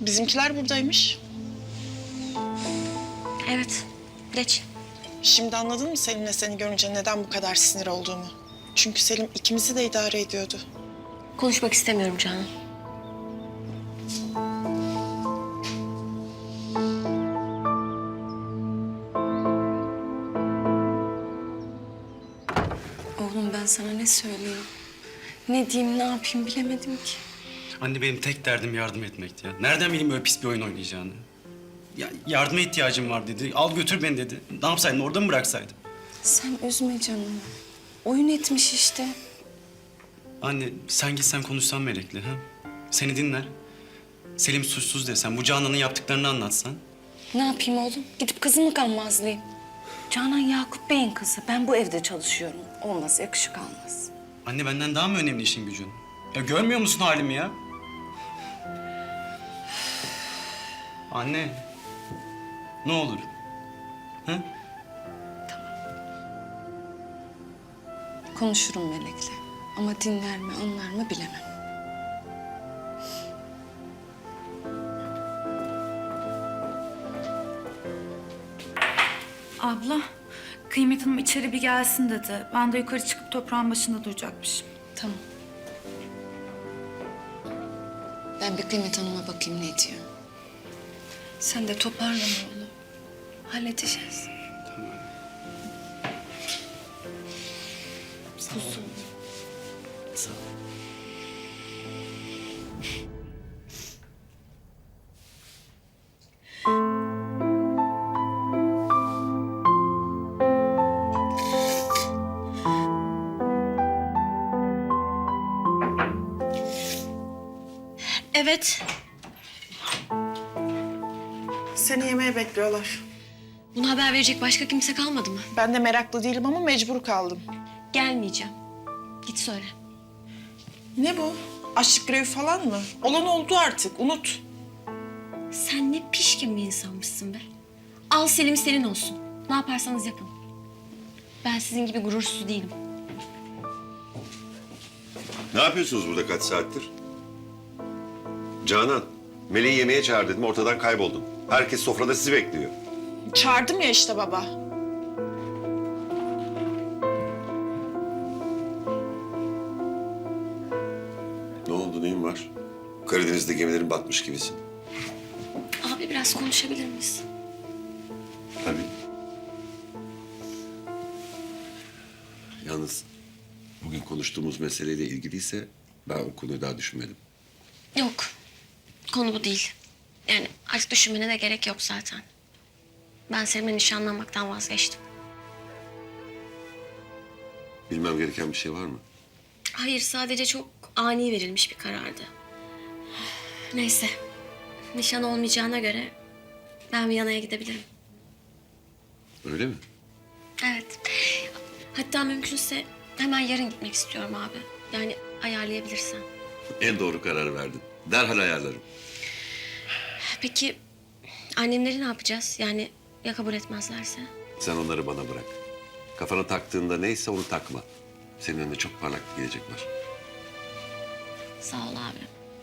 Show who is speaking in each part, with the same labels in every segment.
Speaker 1: Bizimkiler buradaymış.
Speaker 2: Evet, geç.
Speaker 1: Şimdi anladın mı Selim'le seni görünce neden bu kadar sinir olduğumu? Çünkü Selim ikimizi de idare ediyordu.
Speaker 2: Konuşmak istemiyorum Canan.
Speaker 3: Oğlum ben sana ne söyleyeyim? Ne diyeyim, ne yapayım bilemedim ki.
Speaker 4: Anne benim tek derdim yardım etmekti ya. Nereden bileyim öyle pis bir oyun oynayacağını? Ya yardıma ihtiyacım var dedi. Al götür beni dedi. Ne yapsaydım orada mı bıraksaydım?
Speaker 3: Sen üzme canım. Oyun etmiş işte.
Speaker 4: Anne sen gitsen konuşsan Melek'le ha? Seni dinler. Selim suçsuz desen, bu Canan'ın yaptıklarını anlatsan.
Speaker 3: Ne yapayım oğlum? Gidip kızımı kanmazlayayım. Canan Yakup Bey'in kızı. Ben bu evde çalışıyorum. Olmaz, yakışık almaz.
Speaker 4: Anne benden daha mı önemli işin gücün? Ya görmüyor musun halimi ya? Anne. Ne olur. Ha?
Speaker 3: Konuşurum Melek'le. Ama dinler mi, anlar mı bilemem.
Speaker 5: Abla, Kıymet Hanım içeri bir gelsin dedi. Ben de yukarı çıkıp toprağın başında duracakmışım.
Speaker 3: Tamam. Ben bir Kıymet Hanım'a bakayım ne diyor. Sen de toparlama oğlum. Halledeceğiz.
Speaker 4: Tamam.
Speaker 3: Kuzum.
Speaker 4: Sağ ol.
Speaker 2: Evet,
Speaker 1: Seni yemeğe bekliyorlar.
Speaker 2: buna haber verecek başka kimse kalmadı mı?
Speaker 1: Ben de meraklı değilim ama mecbur kaldım.
Speaker 2: Gelmeyeceğim. Git söyle.
Speaker 1: Ne bu? Açlık grevi falan mı? Olan oldu artık, unut.
Speaker 2: Sen ne pişkin bir insanmışsın be. Al Selim senin olsun. Ne yaparsanız yapın. Ben sizin gibi gurursuz değilim.
Speaker 6: Ne yapıyorsunuz burada kaç saattir? Canan, Meleği yemeğe çağır dedim, ortadan kayboldun. Herkes sofrada sizi bekliyor.
Speaker 1: Çağırdım ya işte baba.
Speaker 6: Ne oldu, neyin var? Karadeniz'de gemilerin batmış gibisin.
Speaker 2: Abi biraz konuşabilir miyiz?
Speaker 6: Tabii. Yalnız bugün konuştuğumuz meseleyle ilgiliyse ben o konuyu daha düşünmedim.
Speaker 2: Yok. Konu bu değil. Yani artık düşünmene de gerek yok zaten. Ben Selim'le nişanlanmaktan vazgeçtim.
Speaker 6: Bilmem gereken bir şey var mı?
Speaker 2: Hayır, sadece çok ani verilmiş bir karardı. Neyse. Nişan olmayacağına göre ben Viyana'ya gidebilirim.
Speaker 6: Öyle mi?
Speaker 2: Evet. Hatta mümkünse hemen yarın gitmek istiyorum abi. Yani ayarlayabilirsen.
Speaker 6: En doğru kararı verdin. Derhal ayarlarım.
Speaker 2: Peki annemleri ne yapacağız? Yani ya kabul etmezlerse?
Speaker 6: Sen onları bana bırak. Kafana taktığında neyse onu takma. Senin önüne çok parlak bir gelecek var.
Speaker 2: Sağ ol abi.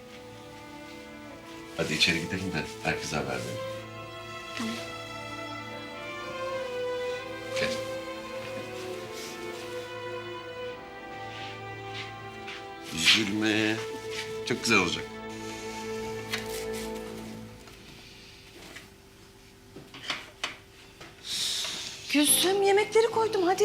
Speaker 6: Hadi içeri gidelim de herkese haber verelim.
Speaker 2: Tamam.
Speaker 6: Gel. Üzülme. Çok güzel olacak.
Speaker 3: Gülsüm, yemekleri koydum hadi.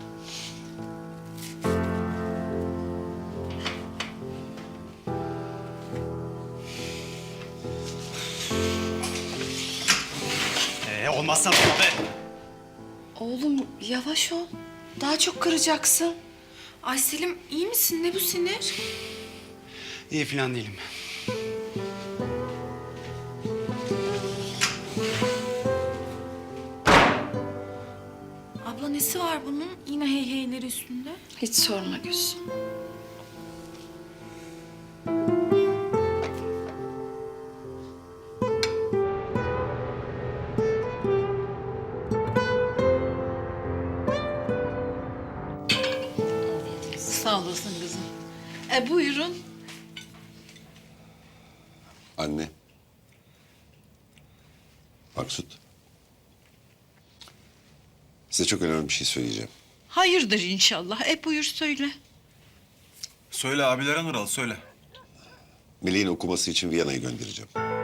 Speaker 4: Olmazsa be.
Speaker 3: Oğlum yavaş ol. Daha çok kıracaksın.
Speaker 5: Ay Selim, iyi misin? Ne bu sinir?
Speaker 4: İyi falan değilim.
Speaker 5: Abla nesi var bunun? Yine hey heyleri üstünde.
Speaker 3: Hiç sorma Gülsüm. Sağ olasın kızım. Buyurun.
Speaker 6: Anne, Maksut. Size çok önemli bir şey söyleyeceğim.
Speaker 7: Hayırdır inşallah. Buyur söyle.
Speaker 8: Söyle abilere Nural, söyle.
Speaker 6: Melih'in okuması için Viyana'yı göndereceğim.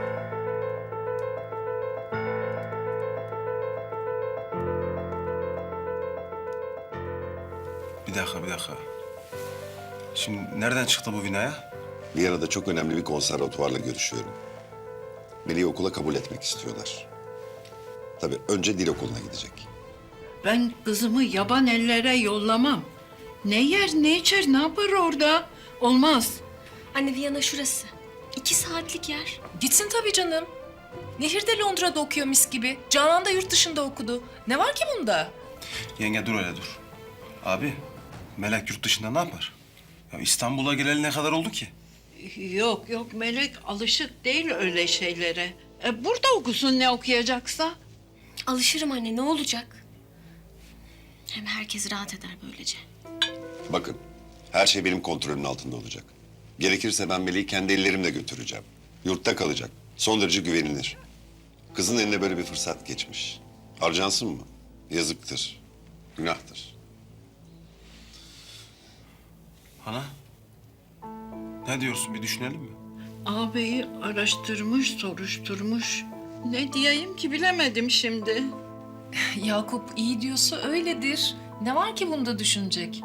Speaker 8: Bir dakika. Şimdi nereden çıktı bu Vina'ya?
Speaker 6: Viyana'da çok önemli bir konservatuvarla görüşüyorum. Melih'i okula kabul etmek istiyorlar. Tabii önce dil okuluna gidecek.
Speaker 7: Ben kızımı yaban ellere yollamam. Ne yer, ne içer, ne yapar orada? Olmaz.
Speaker 2: Anne Viyana şurası. 2 saatlik yer.
Speaker 9: Gitsin tabii canım. Nehir de Londra'da okuyor mis gibi. Canan da yurt dışında okudu. Ne var ki bunda?
Speaker 8: Yenge dur öyle dur. Abi, Melek yurt dışında ne yapar? Ya İstanbul'a geleli ne kadar oldu ki?
Speaker 7: Yok Melek alışık değil öyle şeylere. Burada okusun ne okuyacaksa.
Speaker 2: Alışırım anne, ne olacak? Hem herkes rahat eder böylece.
Speaker 6: Bakın, her şey benim kontrolümün altında olacak. Gerekirse ben Melih'i kendi ellerimle götüreceğim. Yurtta kalacak. Son derece güvenilir. Kızın eline böyle bir fırsat geçmiş. Harcansın mı? Yazıktır. Günahtır.
Speaker 8: Ana, ne diyorsun bir düşünelim mi?
Speaker 7: Ağabeyi araştırmış, soruşturmuş. Ne diyeyim ki bilemedim şimdi.
Speaker 9: Yakup iyi diyorsa öyledir. Ne var ki bunda düşünecek?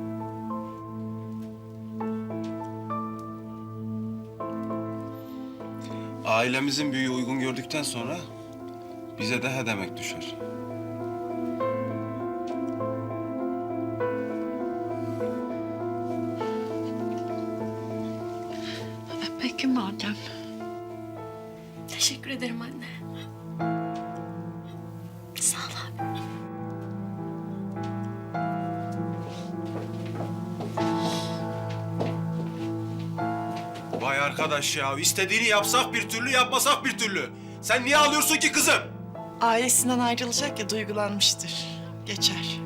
Speaker 8: Ailemizin büyüğü uygun gördükten sonra bize de he demek düşer.
Speaker 7: Peki madem.
Speaker 2: Teşekkür ederim anne. Sağ ol abi.
Speaker 8: Vay arkadaş ya, istediğini yapsak bir türlü, yapmasak bir türlü. Sen niye ağlıyorsun ki kızım?
Speaker 1: Ailesinden ayrılacak ya, duygulanmıştır. Geçer.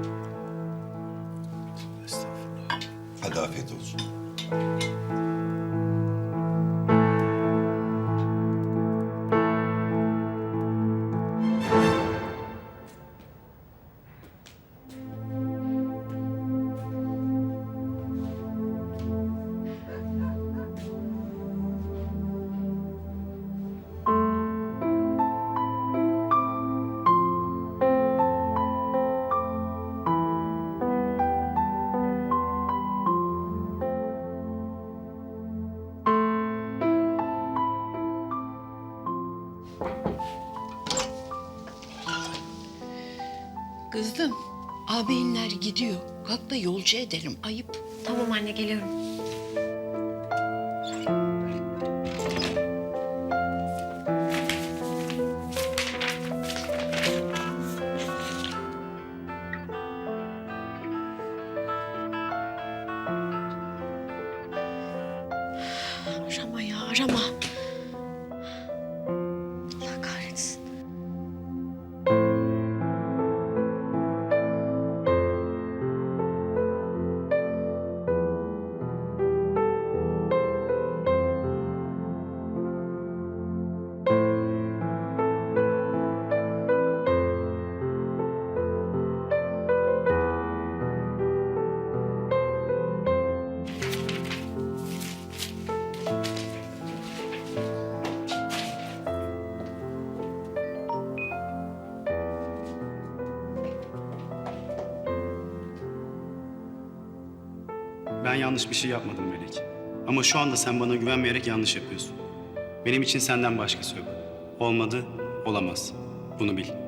Speaker 8: Estağfurullah.
Speaker 6: Hadi afiyet olsun.
Speaker 7: Kızım, ağabeyinler gidiyor. Kalk da yolcu edelim, ayıp.
Speaker 2: Tamam anne, geliyorum. Arama ya, arama. Allah kahretsin.
Speaker 4: Ben yanlış bir şey yapmadım Melek. Ama şu anda sen bana güvenmeyerek yanlış yapıyorsun. Benim için senden başkası yok. Olmadı, olamaz. Bunu bil.